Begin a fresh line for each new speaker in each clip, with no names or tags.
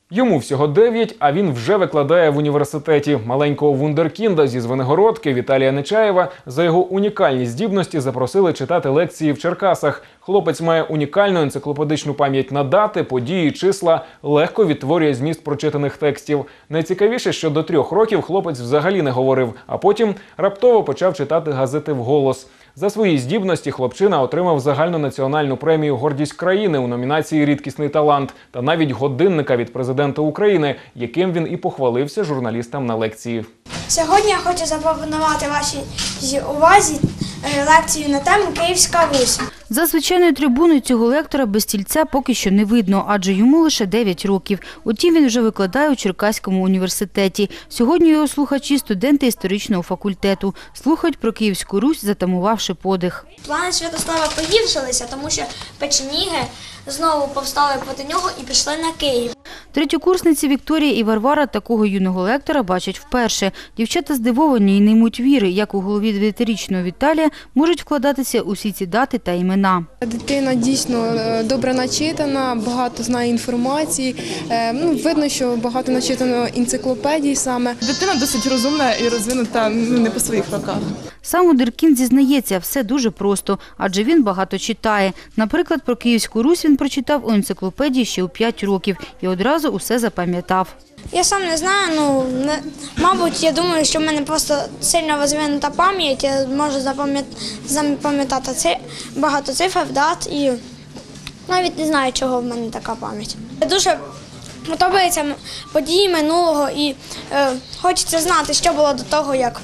Йому всього 9, а він вже викладає в університеті. Маленького вундеркінда зі Звенигородки Віталія Нечаєва за його унікальні здібності запросили читати лекції в Черкасах. Хлопець має унікальну енциклопедичну пам'ять на дати, події, числа, легко відтворює зміст прочитаних текстів. Найцікавіше, що до 3 років хлопець взагалі не говорив, а потім раптово почав читати газети вголос. За свої здібності хлопчина отримав загальнонаціональну премію «Гордість країни» у номінації «Рідкісний талант» та навіть годинника від президента України, яким він і похвалився журналістам на лекції.
Сьогодні я хочу запропонувати вашій увазі лекцію на тему «Київська Русь».
За звичайною трибуною цього лектора без стільця поки що не видно, адже йому лише 9 років. Утім, він вже викладає у Черкаському університеті. Сьогодні його слухачі – студенти історичного факультету. Слухають про Київську Русь, затамувавши подих.
Плани Святослава погіршилися, тому що печеніги знову повстали проти нього і пішли на Київ.
Третьокурсниці Вікторія і Варвара такого юного лектора бачать вперше. Дівчата здивовані і не ймуть віри, як у голові 9-річного Віталія можуть вкладатися усі ці дати та імена.
Дитина дійсно добре начитана, багато знає інформації. Видно, що багато начитано енциклопедій саме.
Дитина досить розумна і розвинута не по своїх роках.
Сам вундеркінд зізнається, все дуже просто, адже він багато читає. Наприклад, про Київську Русь він прочитав у енциклопедії ще у 5 років і одразу усе запам'ятав.
Я сам не знаю, мабуть, я думаю, що в мене просто сильно розвинута пам'ять, я можу запам'ятати багато цифр, дат і навіть не знаю, чого в мене така пам'ять. Дуже подобаються події минулого і хочеться знати, що було до того, як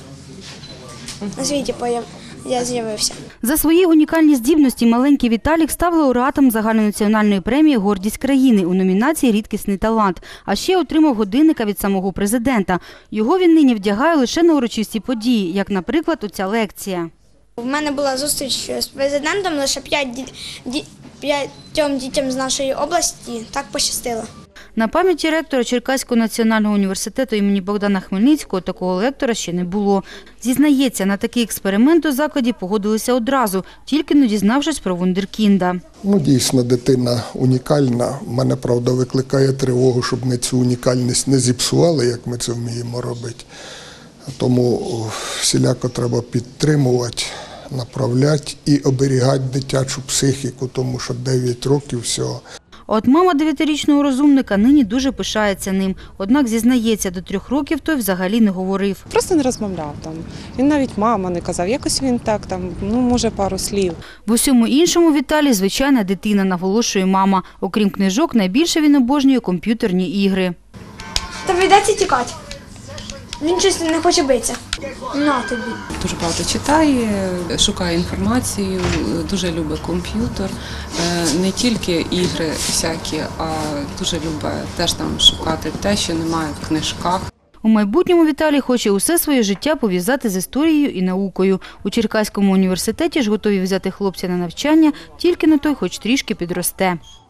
на світі я з'явився.
За свої унікальні здібності маленький Віталік став лауреатом загальнонаціональної премії «Гордість країни» у номінації «Рідкісний талант», а ще отримав годинника від самого президента. Його він нині вдягає лише на урочисті події, як, наприклад, оця лекція.
У мене була зустріч з президентом, лише 5 дітям з нашої області так пощастило.
На пам'яті ректора Черкаського національного університету імені Богдана Хмельницького такого лектора ще не було. Зізнається, на такий експеримент у закладі погодилися одразу, тільки не дізнавшись про вундеркінда.
Дійсно, дитина унікальна. Мене, правда, викликає тривогу, щоб ми цю унікальність не зіпсували, як ми це вміємо робити. Тому всіляко треба підтримувати, направляти і оберігати дитячу психіку, тому що 9 років всього.
От мама 9-річного розумника нині дуже пишається ним. Однак, зізнається, до 3 років той взагалі не говорив.
Просто не розмовляв там. Він навіть мама не казав. Якось він так, може пару слів.
В усьому іншому Віталій – звичайна дитина, наголошує мама. Окрім книжок, найбільше він обожнює комп'ютерні ігри.
Та прийдеться тікати. Він щось не хоче битися. На тобі.
Дуже багато читає, шукає інформацію, дуже любить комп'ютер. Не тільки ігри всякі, а дуже любить теж там шукати те, що немає в книжках.
У майбутньому Віталій хоче усе своє життя пов'язати з історією і наукою. У Черкаському університеті ж готові взяти хлопця на навчання, тільки на той хоч трішки підросте.